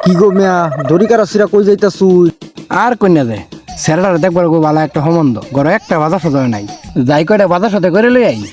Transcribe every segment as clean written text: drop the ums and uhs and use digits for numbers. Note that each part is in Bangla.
কি গো মিয়া দড়িকার সিরা কই যাইতাছুই? আর কন্যা যায় স্যারেটার দেখবার গো ভালো একটা সম্বন্ধ ঘরে একটা বাজার সদর নাই যাই কয়টা বাজার সাথে করে লই আই।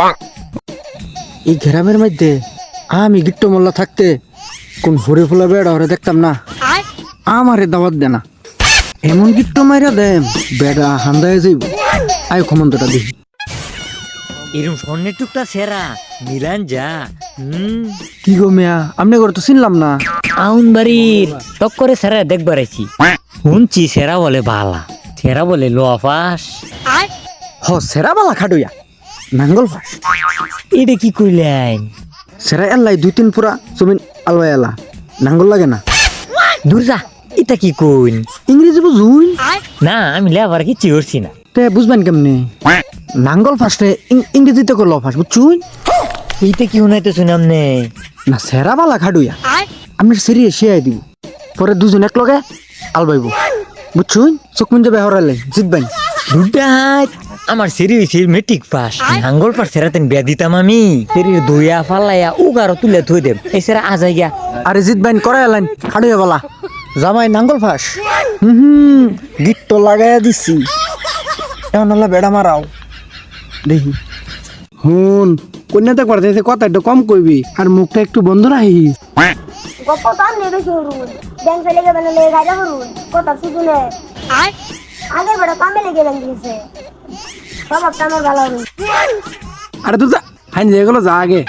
এই গ্রামের মধ্যে আমি গিট্টো মোল্লা থাকতে কোন হরে ফুলা বেড়া হরে দেখতাম না। আমারে দাওয়াত দে না, এমন গিট্টো মাইরা দেম বেড়া হান্দায় যাইব। আয় ক্ষমন্তটা দেখি। এরম স্বর্ণের টুকটা সেরা মিলান যা। কি গো মিয়া আমনে ঘরে তো চিনলাম না। আউন বাড়ির টক্করে সেরা দেখবার আইছি। শুনছি সেরা বলে বালা, সেরা বলে লোয়াফাস। হ সেরা বালা খাডুয়া নাঙ্গল ফাঁস। এটা কি কইলেন? সেরা এল্লাই 2-3 পুরা জমিন আলওয়া এলা নাঙ্গল লাগে না। দূর যা, এটা কি কইন? ইংরেজি বুঝুই না আমি লেবার কি চিরছি না। তে বুঝবেন কেমনে? নাঙ্গল ফাঁসরে ইংরেজিতে করলো ফাঁস বুঝছুই এইটা কি শুনাইতে শুনাম নে? না সেরা বালা খাডুয়া আমি সেরিয়ে শিয়াই দিব পরে দুজন এক লগে আলবাইব বুঝছুই চোখমুন যাবে হরালে জিতবেন। দুটাত আমার সেরি হইছে মেট্রিক পাস। নাঙ্গল পাস সেরাতেন বিয়া দিতাম আমি। সেরির ধুইয়া ফালাইয়া উগারো তুলে থই দেব। এই সেরা আজাই গিয়া আরে জিতবেন করে এলেন খাডুয়া বালা জামাই নাঙ্গল ফাঁস। গিট্টো লাগাইয়া দিছি এমন হলে বেড়া মারাও দেখি। হুন কন্যা দেখবার যাইছে কথা একটু কম কইবি আর মুখটা একটু বন্ধ রাখিস। গপ্প তো আমি বেশি হরুন ব্যাংক লেগে বেলে গাজা হরুন কথা শুনে আগের বেড়া কামে লেগে ব্যাংক দিয়েছে সব একটা আমার ভালো হরুন। আরে তুই যা হাইন যেগুলো যা আগে।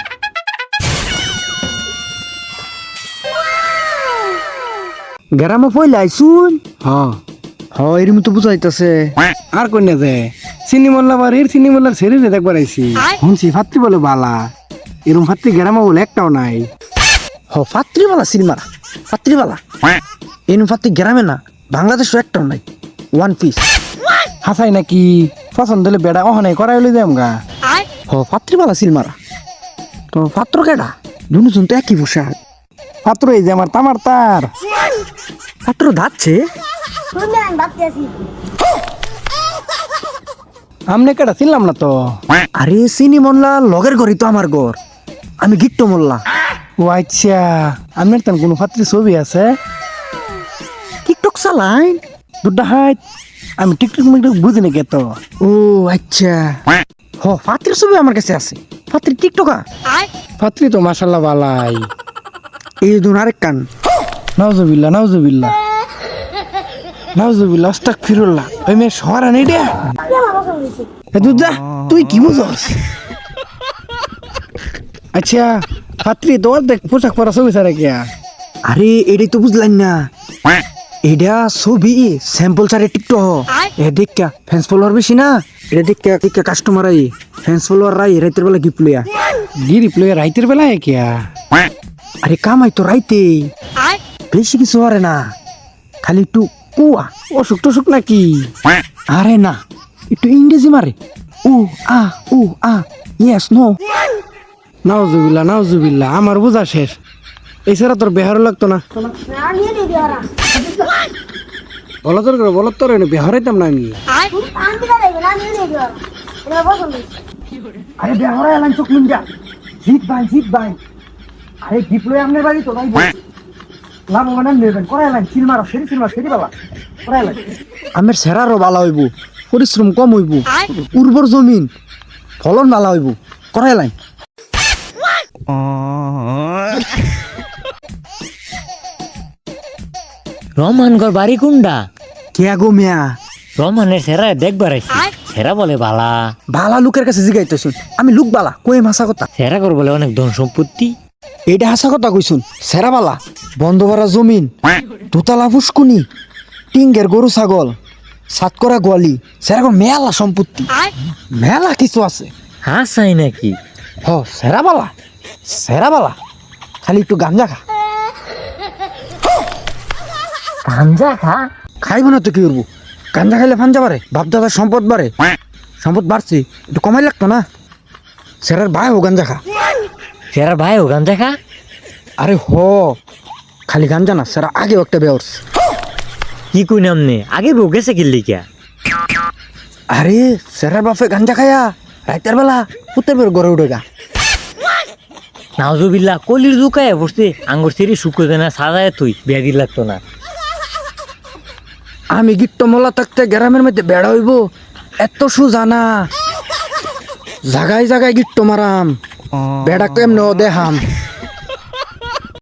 গ্রামে পয়লা আইসুন। হ্যাঁ এরম তো বুঝাইতেছে। আর কন্যা যায় চিনি মোল্লা বাড়ির চিনি মোল্লার শরীরে দেখবার আইছি। শুনছি ফাত্রি বলে বালা, এরম ফাত্রি গ্রামে বলে একটাও নাই। ফাত্রিবালা সিনেমারা ফাত্রিবালা এরম ফাত্রি গ্রামে না বাংলাদেশও একটাও নাই। 1 পিস হাসাই নাকি পছন্দ হলে বেড়া অহনাই করাই লই যাম গা। ফাত্রিবালা সিনেমারা তো পাত্র কেডা দুজন তো একই পোশাক। পাত্র এই যে আমার তামার তার পাত্র ধাচ্ছে। শুনলে আমি ভাবতে আছি আমনে কেটা চিনলাম না তো। আরে চিনি মোল্লা লগের ঘরই তো আমার ঘর, আমি গিট্টো মোল্লা। ও আচ্ছা আপনার তেন কোনো ফাত্রি ছবি আছে? টিকটক চালাইন দুটা হাইট আমি টিকটক মিকটক বুঝি নাকি তো। ও আচ্ছা ফাত্রির ছবি আমার কাছে আছে। ফাত্রি টিকটকা ফাত্রি তো মাশাল্লাহ বালাই। এই দুন আরেক কান নাউজুবিল্লাহ নাউজুবিল্লাহ নাউজুবিল্লাহ আস্তাগফিরুল্লাহ। ওই মেয়ে শহর আনি দে কি আমার পছন্দ হয়েছে দুধা তুই কি বুঝস? আচ্ছা ফাত্রি তো দেখ পোশাক পরা ছবি ছাড়া কিয়া। আরে এটাই তো বুঝলাম না, এটা ছবি স্যাম্পল ছাড়ে টিকটক। এ দেখা ফ্যান্স ফলোয়ার বেশি না, এটা দেখা কাস্টমার আই ফ্যান্স ফলোয়ার রাই রাতের বেলা গিফট লইয়া গিরি প্লে রাইতের বেলায় কিয়া। আরে কামাই তো রাইতে বেশি কিছু আরে না, খালি একটু কুয়া অসুখ টসুখ নাকি? আরে না একটু ইংরেজি মারে উ আ ইয়েস নো। নাউজুবিল্লাহ নাউজুবিল্লাহ আমার বোঝা শেষ। এছাড়া তোর বেহারও লাগতো না। না নিয়ে দিবি ওরা বলতর করে বলতর বেহারাইতাম না আমি। আমি দিতে দেবে না নিয়ে দিবি ওরা এটা আমার পছন্দ হয়েছে। আরে বেহরা এলান চোখ মুন্ডা জিত ভাই আরে গিফট লই আমনের বাড়ি তো ভাই লাভ মানে নেবেন করে এলান সিল মারা সেরি বালা করে এলান আমের সেরারও বালা হইব, পরিশ্রম কম হইব, উর্বর জমিন ফলন বালা হইব করে এলান। রহমানগর বাড়ি কোনটা? কে গো মিয়া রহমানের সেরা দেখবার আইছি। সেরা বলে বালা, বালা লোকের কাছে জিগাইতেছুন আমি লোক বালা কই হাসা কথা। সেরা কর বলে অনেক ধন সম্পত্তি। এইটা হাসা কথা কইছুন। সেরা বালা বন্ধ ভরা জমিন, দোতলা ফুসকুনি, টিঙ্গের গরু ছাগল, সাত করা গোয়ালি, সেরকম মেলা সম্পত্তি মেলা কিছু আছে। হাসাই নাকি? সেরা বালা খালি একটু গাঞ্জা খা। গাঞ্জা খা? খাইব না তো কি করবো, গাঞ্জা খাইলে ফাঞ্জা বাড়ে, বাপ দাদার সম্পদ বাড়ে। সম্পদ বাড়ছে একটু কমাই লাগতো না। সেরার ভাই ও গাঞ্জা খা। সেরা ভাই ও গাঞ্জা খা? আরে খালি গাঞ্জা না, সেরা আগেও একটা বেয়র্স। কি কই নামনে আগে বউ গেছে কিল্লি কিয়া? আরে সেরার বাপে গাঞ্জা খায়া রাতের বেলা পুতের বের গড়ে উঠে গা। নাউজুবিল্লাহ কলির জুকায় বসছে আঙ্গুর সেরি শুকোয় না সাজায় তুই বিয়া দিল লাগতো না। আমি গিট্ট মোলা থাকতে গ্রামের মধ্যে বেড়া হইব এত সুজানা জাগায় জাগায় গিট্ট মারাম বেড়া কেমন দেহাম